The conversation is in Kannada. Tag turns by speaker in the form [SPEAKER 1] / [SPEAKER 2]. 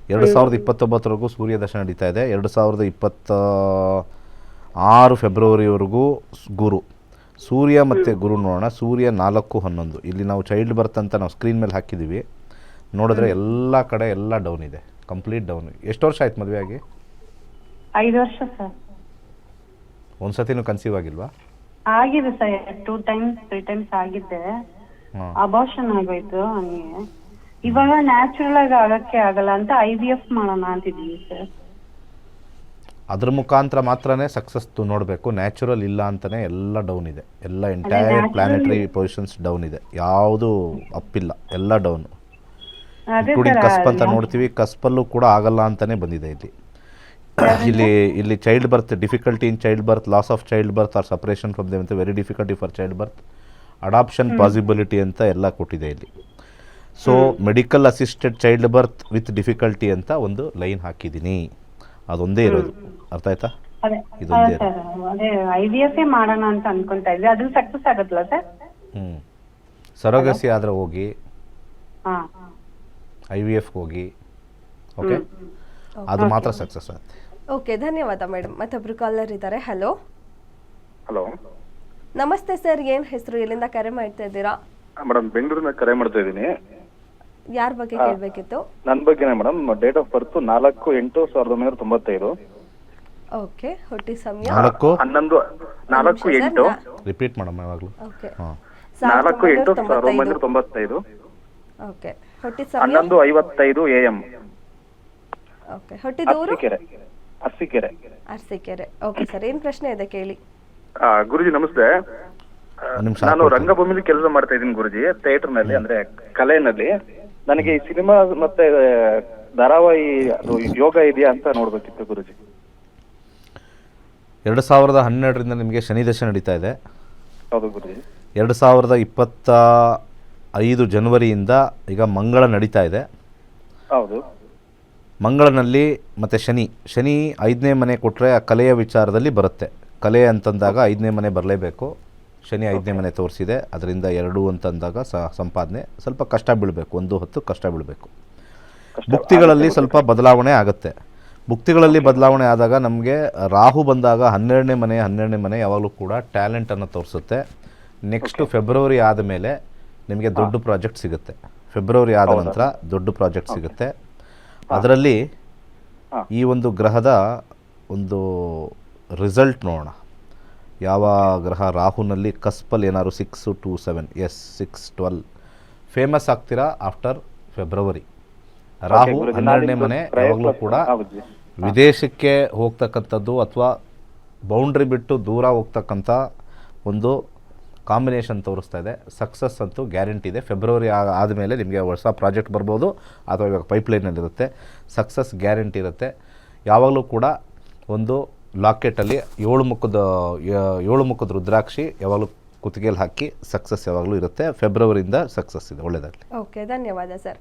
[SPEAKER 1] 2029ವರೆಗೂ ಸೂರ್ಯ ದಶ ನಡೀತಾ ಇದೆ. 2026 ಫೆಬ್ರವರಿವರೆಗೂ ಗುರು, ಸೂರ್ಯ ಮತ್ತು ಗುರು ನೋಡೋಣ. ಸೂರ್ಯ 4-11 ಇಲ್ಲಿ ನಾವು ಚೈಲ್ಡ್ ಬರ್ತ್ ಅಂತ ನಾವು ಸ್ಕ್ರೀನ್ ಮೇಲೆ ಹಾಕಿದ್ದೀವಿ. ನೋಡಿದ್ರೆ ಎಲ್ಲ ಕಡೆ ಎಲ್ಲ ಡೌನ್ ಇದೆ, ಕಂಪ್ಲೀಟ್ ಡೌನ್. ಎಷ್ಟು ವರ್ಷ ಆಯ್ತು ಮದುವೆ ಆಗಿ?
[SPEAKER 2] 5 ವರ್ಷ ಸರ್.
[SPEAKER 1] ಒಂದು ಸತಿನೂ ಕನ್ಸೀವ್ ಆಗಿಲ್ವಾ?
[SPEAKER 2] ಆಗಿದೆ ಸರ್, 2 ಟೈಮ್ಸ್ 3 ಟೈಮ್ಸ್ ಆಗಿದ್ದೆ. ಅಬಾರ್ಷನ್ ಆಗೋಯ್ತು ಹಂಗೆ. ಇವಾಗ ನ್ಯಾಚುರಲ್ ಆಗಿ ಆಗಕ್ಕೆ ಆಗಲ್ಲ ಅಂತ IVF ಮಾಡೋಣ ಅಂತಿದ್ದೀವಿ ಸರ್.
[SPEAKER 1] ಅದ್ರ ಮುಖಾಂತರ ಮಾತ್ರನೇ ಸಕ್ಸಸ್ ನೋಡಬೇಕು. ನ್ಯಾಚುರಲ್ ಇಲ್ಲ ಅಂತಲೇ ಎಲ್ಲ ಡೌನ್ ಇದೆ, ಎಲ್ಲ ಎಂಟೈರ್ ಪ್ಲಾನೆಟರಿ ಪೊಸಿಷನ್ಸ್ ಡೌನ್ ಇದೆ, ಯಾವುದು ಅಪ್ಪಿಲ್ಲ, ಎಲ್ಲ ಡೌನು. ಇನ್ಕ್ಲೂಡಿಂಗ್ ಕಸ್ಪ್ ಅಂತ ನೋಡ್ತೀವಿ, ಕಸ್ಪಲ್ಲೂ ಕೂಡ ಆಗಲ್ಲ ಅಂತಲೇ ಬಂದಿದೆ ಇಲ್ಲಿ child birth, difficulty in child birth, loss of child birth or suppression from them ಅಂತ, very difficulty for child birth, adoption possibility ಅಂತ ಎಲ್ಲ ಕೊಟ್ಟಿದೆ ಇಲ್ಲಿ. So medical assisted child birth with difficulty ಅಂತ ಒಂದು ಲೈನ್ ಹಾಕಿದ್ದೀನಿ, ಅದೊಂದೇ ಇರೋದು. ಅರ್ಥ ಆಯ್ತಾ? ಇದೊಂದೇ
[SPEAKER 2] IVF ಮಾಡೋಣ ಅಂತ ಅನ್ಕೊಂತಾ ಇದ್ವಿ, ಅದು ಸಕ್ಸಸ್ ಆಗುತ್ತಲ್ಲ ಸರ್?
[SPEAKER 1] ಸರೋಗಸಿ ಆದ್ರೆ ಹೋಗಿ IVF ಹೋಗಿ, ಓಕೆ, ಅದು ಮಾತ್ರ ಸಕ್ಸಸ್ ಆಗುತ್ತೆ.
[SPEAKER 3] ಓಕೆ, ಧನ್ಯವಾದ ಮೇಡಮ್. ಮತ್ತೊಬ್ರು ಕಾಲರ್ ಇದ್ದಾರೆ. ಹಲೋ
[SPEAKER 4] ಹಲೋ,
[SPEAKER 3] ನಮಸ್ತೆ ಸರ್, ಏನ್ ಹೆಸರು, ಎಲ್ಲಿಂದ ಕರೆ ಮಾಡ್ತಾ ಇದ್ದೀರಾ?
[SPEAKER 4] ಮೇಡಮ್ ಬೆಂಗಳೂರಿನ ಕರೆ ಮಾಡ್ತಾ ಇದ್ದೀನಿ.
[SPEAKER 3] ಯಾರ ಬಗ್ಗೆ ಕೇಳಬೇಕಿತ್ತು?
[SPEAKER 4] ನನ್ನ ಬಗ್ಗೆನೇ madam. Date of birth 4/8/1995.
[SPEAKER 3] Okay, ಹುಟ್ಟಿ ಸಮಯ
[SPEAKER 4] 4/8
[SPEAKER 1] ರಿಪೀಟ್ ಮಾಡಮ್ಮ ಯಾವಾಗಲೂ.
[SPEAKER 3] ಓಕೆ,
[SPEAKER 4] 4/8/1995.
[SPEAKER 3] ಓಕೆ, ಹುಟ್ಟಿ ಸಮಯ
[SPEAKER 4] 11:55 AM.
[SPEAKER 3] ಓಕೆ, ಹುಟ್ಟಿದೂರು
[SPEAKER 4] ಅರಸೀಕೆರೆ.
[SPEAKER 3] ಓಕೆ ಸರ್, ಏನ್ ಪ್ರಶ್ನೆ ಇದೆ ಕೇಳಿ.
[SPEAKER 4] ಗುರುಜಿ ನಮಸ್ತೆ. ನಾನು ರಂಗಭೂಮಿಲಿ ಕೆಲಸ ಮಾಡ್ತಾ ಇದ್ದೀನಿ ಗುರುಜಿ, ಥಿಯೇಟರ್ ನಲ್ಲಿ, ಅಂದ್ರೆ ಕಲೆನಲ್ಲಿ. ನನಗೆ ಈ ಸಿನಿಮಾ ಮತ್ತೆ ಧಾರಾವಾಹಿ ಅದು ಯೋಗ ಇದೆಯಾ ಅಂತ ನೋಡ್ಬೇಕಿತ್ತು ಗುರುಜಿ.
[SPEAKER 1] 2012ರಿಂದ ನಿಮಗೆ ಶನಿ ದಶೆ ನಡೀತಾ ಇದೆ.
[SPEAKER 4] ಹೌದು ಗುರುಜಿ.
[SPEAKER 1] 2025 ಜನವರಿಯಿಂದ ಈಗ ಮಂಗಳ ನಡೀತಾ ಇದೆ.
[SPEAKER 4] ಹೌದು.
[SPEAKER 1] ಮಂಗಳನಲ್ಲಿ ಮತ್ತು ಶನಿ 5ನೇ ಮನೆ ಕೊಟ್ಟರೆ ಆ ಕಲೆಯ ವಿಚಾರದಲ್ಲಿ ಬರುತ್ತೆ. ಕಲೆ ಅಂತಂದಾಗ 5ನೇ ಮನೆ ಬರಲೇಬೇಕು. ಶನಿ 5ನೇ ಮನೆ ತೋರಿಸಿದೆ, ಅದರಿಂದ 2 ಅಂತಂದಾಗ ಸಂಪಾದನೆ ಸ್ವಲ್ಪ ಕಷ್ಟ ಬೀಳಬೇಕು, 1 ಹೊತ್ತು ಕಷ್ಟ ಬೀಳಬೇಕು. ಭುಕ್ತಿಗಳಲ್ಲಿ ಸ್ವಲ್ಪ ಬದಲಾವಣೆ ಆಗುತ್ತೆ. ಭುಕ್ತಿಗಳಲ್ಲಿ ಬದಲಾವಣೆ ಆದಾಗ ನಮಗೆ ರಾಹು ಬಂದಾಗ 12ನೇ ಮನೆ ಯಾವಾಗಲೂ ಕೂಡ ಟ್ಯಾಲೆಂಟನ್ನು ತೋರಿಸುತ್ತೆ. ನೆಕ್ಸ್ಟು ಫೆಬ್ರವರಿ ಆದಮೇಲೆ ನಿಮಗೆ ದೊಡ್ಡ ಪ್ರಾಜೆಕ್ಟ್ ಸಿಗುತ್ತೆ. ಫೆಬ್ರವರಿ ಆದ ನಂತರ ದೊಡ್ಡ ಪ್ರಾಜೆಕ್ಟ್ ಸಿಗುತ್ತೆ. ಅದರಲ್ಲಿ ಈ ಒಂದು ಗ್ರಹದ ಒಂದು ರಿಸಲ್ಟ್ ನೋಡೋಣ. ಯಾವ ಗ್ರಹ ರಾಹುನಲ್ಲಿ ಕಸ್ಪಲ್ ಏನಾದ್ರು 6 to 7, 6-12 ಫೇಮಸ್ ಆಗ್ತೀರಾ ಆಫ್ಟರ್ ಫೆಬ್ರವರಿ. ರಾಹು 12ನೇ ಮನೆ ಯಾವಾಗಲೂ ಕೂಡ ವಿದೇಶಕ್ಕೆ ಹೋಗ್ತಕ್ಕಂಥದ್ದು ಅಥವಾ ಬೌಂಡ್ರಿ ಬಿಟ್ಟು ದೂರ ಹೋಗ್ತಕ್ಕಂಥ ಒಂದು ಕಾಂಬಿನೇಷನ್ ತೋರಿಸ್ತಾ ಇದೆ. ಸಕ್ಸಸ್ ಅಂತೂ ಗ್ಯಾರಂಟಿ ಇದೆ. ಫೆಬ್ರವರಿ ಆದಮೇಲೆ ನಿಮಗೆ ಹೊಸ ಪ್ರಾಜೆಕ್ಟ್ ಬರ್ಬೋದು, ಅಥವಾ ಇವಾಗ ಪೈಪ್ಲೈನಲ್ಲಿರುತ್ತೆ. ಸಕ್ಸಸ್ ಗ್ಯಾರಂಟಿ ಇರುತ್ತೆ. ಯಾವಾಗಲೂ ಕೂಡ ಒಂದು ಲಾಕೆಟಲ್ಲಿ 7 ಮುಖದ ರುದ್ರಾಕ್ಷಿ ಯಾವಾಗಲೂ ಕುತ್ತಿಗೆಯಲ್ಲಿ ಹಾಕಿ ಸಕ್ಸಸ್ ಯಾವಾಗಲೂ ಇರುತ್ತೆ. ಫೆಬ್ರವರಿಯಿಂದ ಸಕ್ಸಸ್ ಇದೆ. ಒಳ್ಳೆಯದಾಗಲಿ.
[SPEAKER 3] ಓಕೆ, ಧನ್ಯವಾದ ಸರ್.